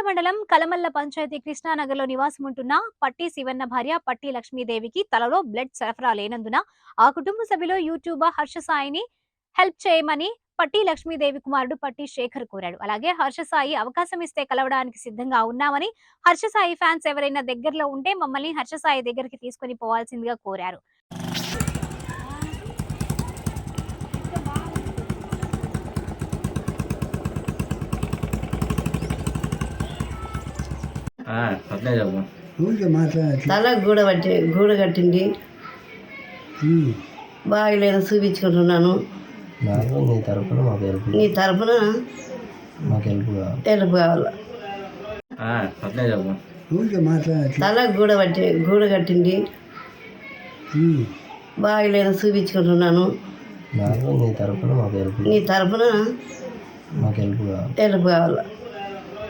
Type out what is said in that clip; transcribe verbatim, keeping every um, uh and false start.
మండలం కలమల్ల పంచాయతీ కృష్ణానగర్లో నివాసం ఉంటున్న పట్టి శివన్న భార్య పట్టి లక్ష్మీదేవికి తలలో బ్లడ్ సరఫరా లేనందున ఆ కుటుంబ సభ్యులు యూట్యూబర్ హర్ష సాయిని హెల్ప్ చేయమని పట్టి లక్ష్మీదేవి కుమారుడు పట్టి శేఖర్ కోరాడు. అలాగే హర్ష సాయి అవకాశం ఇస్తే కలవడానికి సిద్ధంగా ఉన్నామని, హర్ష సాయి ఫ్యాన్స్ ఎవరైనా దగ్గరలో ఉంటే మమ్మల్ని హర్ష సాయి దగ్గరికి తీసుకుని పోవాల్సిందిగా కోరారు. తల గూడ పట్టి గూడ కట్టింది, బాగలేదు, చూపించుకుంటున్నాను. నీ తరపున మాకు హెల్ప్ నీ తరపున మాకు హెల్ప్ కావాలి హెల్ప్ కావాలి. తల గూడ పట్టి గూడ కట్టింది, బాగలేదు, చూపించుకుంటున్నాను. నీ తరపున మాకు హెల్ప్ నీ తరపున మాకు హెల్ప్ కావాలి హెల్ప్ కావాలి.